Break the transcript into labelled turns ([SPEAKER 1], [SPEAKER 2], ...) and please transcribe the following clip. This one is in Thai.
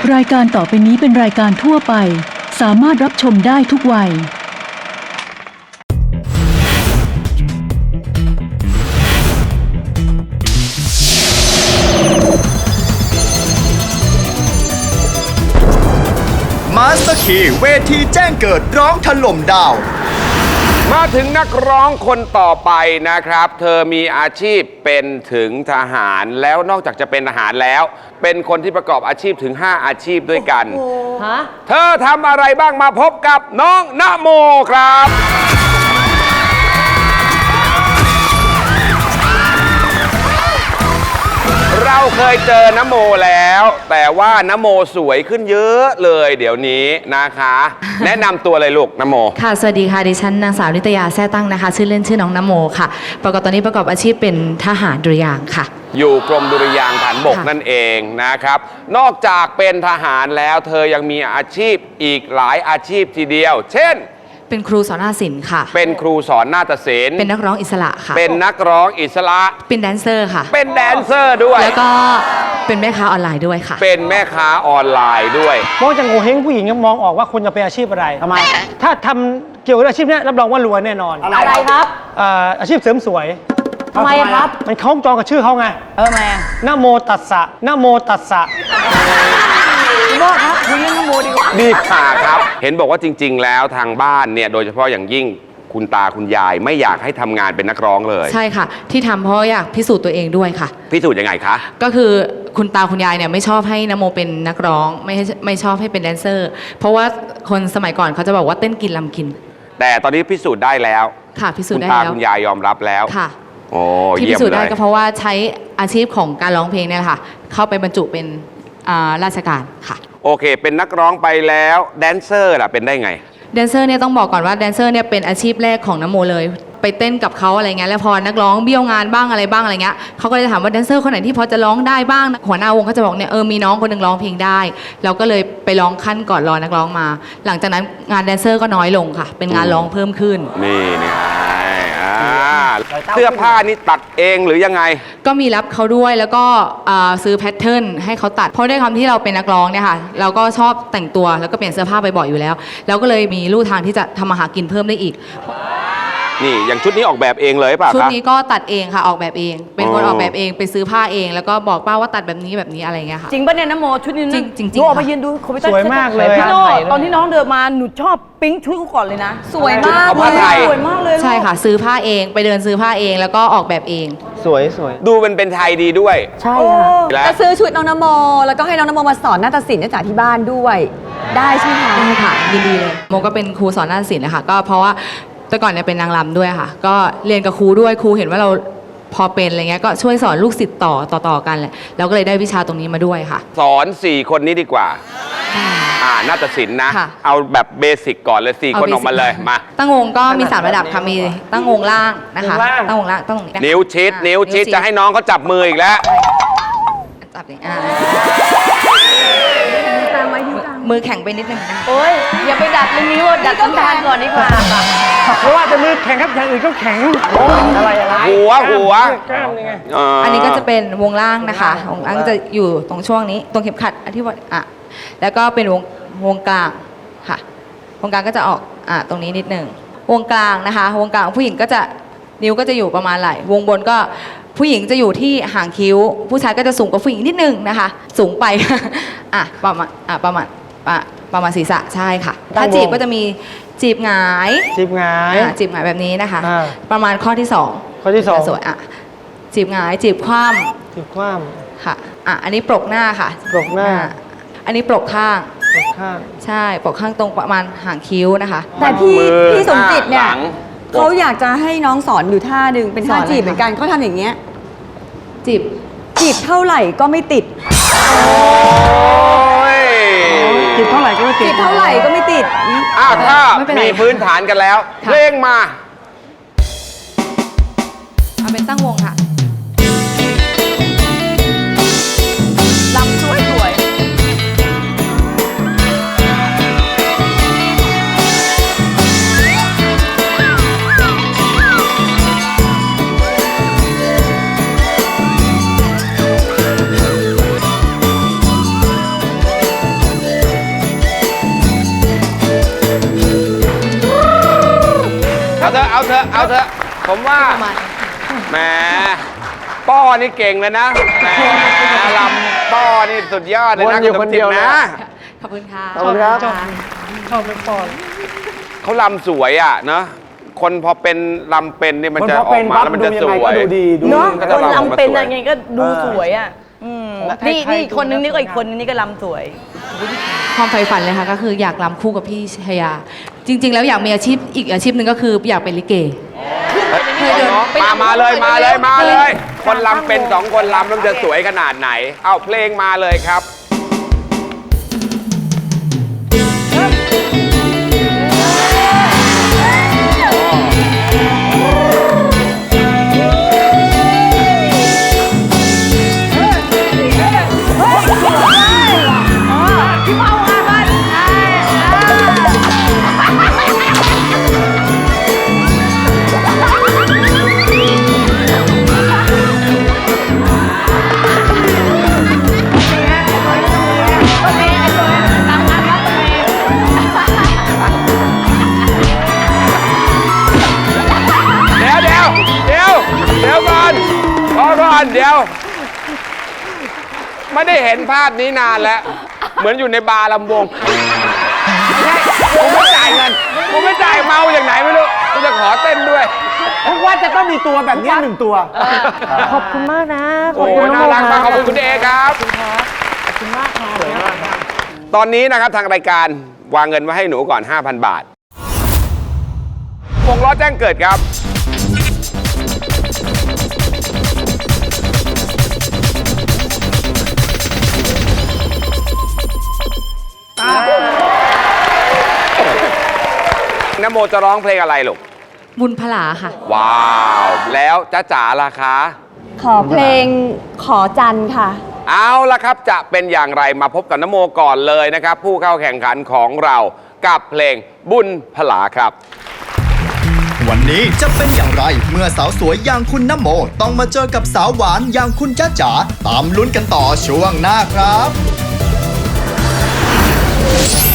[SPEAKER 1] รายการต่อไปนี้เป็นรายการทั่วไปสามารถรับชมได้ทุกวัย
[SPEAKER 2] มาสเตอร์คีย์เวทีแจ้งเกิดร้องถล่มดาว
[SPEAKER 3] มาถึงนักร้องคนต่อไปนะครับเธอมีอาชีพเป็นถึงทหารแล้วนอกจากจะเป็นทหารแล้วเป็นคนที่ประกอบอาชีพถึง5อาชีพด้วยกันเธอทำอะไรบ้างมาพบกับน้องณโมครับเราเคยเจอณโมแล้วแต่ว่าณโมสวยขึ้นเยอะเลยเดี๋ยวนี้นะคะ แนะนำตัวเลยลูกณโม
[SPEAKER 4] ค่ะสวัสดีค่ะดิฉันนางสาวนิตยาแซ่ตั้งนะคะชื่อเล่นชื่อน้องณโมค่ะตอนนี้ประกอบอาชีพเป็นทหารดุริยางค์ค่ะ
[SPEAKER 3] อยู่กรมดุริยางค์ฐานบกนั่นเองนะครับนอกจากเป็นทหารแล้วเธอยังมีอาชีพอีกหลายอาชีพทีเดียวเช่น
[SPEAKER 4] เป็นครูสอนนาฏศิลป์ค่ะ
[SPEAKER 3] เป็นครูสอนนาฏศิลป์
[SPEAKER 4] เป็นนักร้องอิสระค่ะ
[SPEAKER 3] เป็นนักร้องอิสระ
[SPEAKER 4] เป็นแดนเซอร์ค่ะ
[SPEAKER 3] เป็นแดนเซอร์ด้วย
[SPEAKER 4] แล้วก็เป็นแม่ค้าออนไลน์ด้วยค่ะ
[SPEAKER 3] เป็นแม่ค้าออนไลน์ด้วย
[SPEAKER 5] มองจากโงเห้งผู้หญิงมองออกว่าคุณจะเป็นอาชีพอะไร
[SPEAKER 6] ทำไม
[SPEAKER 5] ถ้าทำเกี่ยวกับอาชีพนี้รับรองว่ารวยแน่นอน
[SPEAKER 6] อะไรครับ
[SPEAKER 5] อาชีพเสริมสวย
[SPEAKER 6] ทำไมครับ
[SPEAKER 5] มันคล้องจองกับชื่อเขาไง
[SPEAKER 6] ทำไม
[SPEAKER 5] ณโมตัสสะณโมตัสสะ
[SPEAKER 6] คุณพ่อครับคุยเรื่องณโมดีกว่า
[SPEAKER 3] ดีค่ะครับเห็นบอกว่าจริงๆแล้วทางบ้านเนี่ยโดยเฉพาะอย่างยิ่งคุณตาคุณยายไม่อยากให้ทำงานเป็นนักร้องเลย
[SPEAKER 4] ใช่ค่ะที่ทำเพราะอยากพิสูจน์ตัวเองด้วยค่ะ
[SPEAKER 3] พิสูจน์ยังไงคะ
[SPEAKER 4] ก็คือคุณตาคุณยายเนี่ยไม่ชอบให้ณโมเป็นนักร้องไม่ชอบให้เป็นแดนเซอร์เพราะว่าคนสมัยก่อนเขาจะบอกว่าเต้นกินลำกิน
[SPEAKER 3] แต่ตอนนี้พิสูจน์ได้แล้ว
[SPEAKER 4] ค่ะพิสูจน์ได้
[SPEAKER 3] แล้ว
[SPEAKER 4] คุณ
[SPEAKER 3] ตาคุณยายยอมรับแล้ว
[SPEAKER 4] ค่ะ
[SPEAKER 3] โอ้
[SPEAKER 4] ที่พิสูจน์ได้ก็เพราะว่าใช้อาชีพของการร้องเพลงเนี่ยแหละค่ะเข้าไปบรรจุเป็นราชการค่ะ
[SPEAKER 3] โอเคเป็นนักร้องไปแล้วแดนเซอร์ล่ะเป็นได้ไง
[SPEAKER 4] แดนเซอร์เนี่ยต้องบอกก่อนว่าแดนเซอร์เนี่ยเป็นอาชีพแรกของณโมเลยไปเต้นกับเขาอะไรเงี้ยแล้วพอนักร้องเบี้ยวงานบ้างอะไรบ้างอะไรเงี้ยเขาก็เลยถามว่าแดนเซอร์คนไหนที่พอจะร้องได้บ้างหัวหน้าวงเขาจะบอกเนี่ยมีน้องคนหนึ่งร้องเพลงได้เราก็เลยไปร้องขั้นก่อนรอนักร้องมาหลังจากนั้นงานแดนเซอร์ก็น้อยลงค่ะเป็นงานร้องเพิ่มขึ้น
[SPEAKER 3] นี่เสื้อผ้านี่ตัดเองหรือยังไง
[SPEAKER 4] ก็มีรับเขาด้วยแล้วก็ซื้อแพทเทิร์นให้เขาตัดเพราะด้วยความที่เราเป็นนักร้องเนี่ยค่ะเราก็ชอบแต่งตัวแล้วก็เปลี่ยนเสื้อผ้าบ่อยๆอยู่แล้วเราก็เลยมีลู่ทางที่จะทำมาหากินเพิ่มได้อีก
[SPEAKER 3] นี่อย่างชุดนี้ออกแบบเองเลยป่ะ
[SPEAKER 4] ชุดนี้ก็ตัดเองค่ะออกแบบเองเป็นคนออกแบบเองไปซื้อผ้าเองแล้วก็บอกป้าว่าตัดแบบนี้แบบนี้อะไรเงี้ยค่ะ
[SPEAKER 6] จริงป่ะเนี่ยณโมชุดนี้
[SPEAKER 4] จริง
[SPEAKER 6] หนูออกมายืนดูคอมพิวเตอร์
[SPEAKER 5] สวยมากเลย
[SPEAKER 6] พี่โน่ตอนที่น้องเดินมาหนูชอบปิ๊งชุดเขาก่อนเลยนะ
[SPEAKER 4] สวยมาก
[SPEAKER 6] สวยมากเลย
[SPEAKER 4] ใช่ค่ะซื้อผ้าเองไปเดินซื้อผ้าเองแล้วก็ออกแบบเอง
[SPEAKER 5] สวย
[SPEAKER 3] ดูเป็นไทยดีด้วย
[SPEAKER 6] ใช่ค่ะ
[SPEAKER 7] จะซื้อชุดน้องณโมแล้วก็ให้น้องณโมมาสอนนาฏศิลป์จากที่บ้านด้วยได้ใช่ไหมคะ
[SPEAKER 4] ได้ค่ะยินดีเลยโมก็เป็นครูสอนนาฏศิลป์นะคะก็เพราะว่าแต่ก่อนเนี่ยเป็นนางรำด้วยค่ะก็เรียนกับครูด้วยครูเห็นว่าเราพอเป็นอะไรเงี้ยก็ช่วยสอนลูกศิษย์ต่อกันแหละเราก็เลยได้วิชาตรงนี้มาด้วยค่ะ
[SPEAKER 3] สอน4คนนี้ดีกว่านาฏศิลป์นะเอาแบบเบสิกก่อนเลย4คนออกมาเลยมา
[SPEAKER 4] ตั้งวงก็มี3ระดับค่ะมีตั้งวงล่างนะคะตั้งวงล่างตั้งวงนี้
[SPEAKER 3] นิ้วชิดจะให้น้องเขาจับมืออีกแล้ว
[SPEAKER 4] จับดิมือแข็งไปนิดนึงนะ
[SPEAKER 6] โอ้ยอย่าไปดัดเลยนิ้วดัดต้นทานก่อนดีกว่า
[SPEAKER 5] เพราะว่าจะมือแข็งครับอย่างอื่นก็แข็งอะไร
[SPEAKER 3] หัว
[SPEAKER 4] อันนี้ก็จะเป็นวงล่างนะคะวงล่างจะอยู่ตรงช่วงนี้ตรงเข็มขัดที่ว่าแล้วก็เป็นวงกลางค่ะวงกลางก็จะออกตรงนี้นิดนึงวงกลางนะคะวงกลางผู้หญิงก็จะนิ้วก็จะอยู่ประมาณไหล่วงบนก็ผู้หญิงจะอยู่ที่หางคิ้วผู้ชายก็จะสูงกว่าผู้หญิงนิดนึงนะคะสูงไปประมาณศีรษะใช่ค่ะถ้าจีบก็จะมีจีบหงาย
[SPEAKER 5] จีบหงาย
[SPEAKER 4] แบบนี้นะคะประมาณข้อที่2สวยจีบหงายจีบคว่ำค่ะอันนี้ปลกหน้าค่ะ
[SPEAKER 5] ปลกหน้า
[SPEAKER 4] อันนี้ปลกข้างใช่ปลกข้างตรงประมาณหางคิ้วนะคะ
[SPEAKER 7] แต่พี่สมจิตเนี่ยเขาอยากจะให้น้องสอนอยู่ท่าหนึ่งเป็นท่าจีบเหมือนกันเขาทำอย่างเงี้ยจีบเท่าไหร่ก็ไม่ติด
[SPEAKER 5] จีบเท่าไหร่ก็ไม่ติด
[SPEAKER 7] ถ้
[SPEAKER 3] ามีพื้นฐานกันแล้วเพลงมา
[SPEAKER 4] เอาเป็นตั้งวงค่ะ
[SPEAKER 6] ลำสวย
[SPEAKER 3] เอาเถอะ ผมว่าแหมป้อนี่เก่งเลยนะแหมลำป้อนี่สุดยอดเลยนะ
[SPEAKER 5] วนอยู่คนเดียวนะ
[SPEAKER 4] ขอบคุณค่ะ
[SPEAKER 5] ขอบคุณครับ
[SPEAKER 6] ชอบเป็นปอน
[SPEAKER 3] เขาลำสวยอ่ะเนอะคนพอเป็นลำเป็นนี่มันจะออกมาแล้วมันจะสวย
[SPEAKER 6] เนาะ
[SPEAKER 3] ก็
[SPEAKER 6] ค
[SPEAKER 3] จะ
[SPEAKER 6] น
[SPEAKER 3] ออกมา
[SPEAKER 6] ลำเป็น
[SPEAKER 3] สวย
[SPEAKER 6] อะไรไงก็ดูสวยอ่ะนี่อีกคนนึงนี่ก็อีกคนนึงนี่ก็ลำสวย
[SPEAKER 4] ความใฝ่ฝันเลยค่ะก็คืออยากรำคู่กับพี่ชายา จริง ๆ แล้วอยากมีอาชีพอีกอาชีพหนึ่งก็คืออยากเป็นลิเก
[SPEAKER 3] มาเลย คนลำเป็นสองคนลำแล้วมันจะสวยขนาดไหน เอาเพลงมาเลยครับ เดี๋ยวก่อนพอก่อนเดี๋ยว ไม่ได้เห็นภาพนี้นานแล้ว เหมือนอยู่ในบาร์ลำวงกูไม่จ่ายเงินกูไม่จ่ายเมาอย่างไหนไม่รู้กูจะขอเต้นด้วย
[SPEAKER 5] ทุกวันจะต้องมีตัวแบบนี้หนึ่งตัว
[SPEAKER 6] ขอบคุณมากนะ
[SPEAKER 3] โอ้ยน่ารักมากขอบคุณคุณเอครับ
[SPEAKER 6] ขอบคุณมากค่ะ
[SPEAKER 3] ตอนนี้นะครับทางรายการวางเงินไว้ให้หนูก่อน 5,000 บาทวงล้อแจ้งเกิดครับ นโมจะร้องเพลงอะไรลูก
[SPEAKER 4] บุญพลาค่ะ
[SPEAKER 3] ว้าว แล้วจ๊ะจ๋าล่ะคะ
[SPEAKER 7] ขอเพลงขอจันทร์ค่ะ
[SPEAKER 3] เอาละครับจะเป็นอย่างไรมาพบกับนโมก่อนเลยนะครับ ผู้เข้าแข่งขันของเรากับเพลงบุญพลาครับ
[SPEAKER 2] วันนี้จะเป็นอย่างไรเมื่อสาวสวยอย่างคุณนโมต้องมาเจอกับสาวหวานอย่างคุณจ๊ะจ๋าตามลุ้นกันต่อช่วงหน้าครับ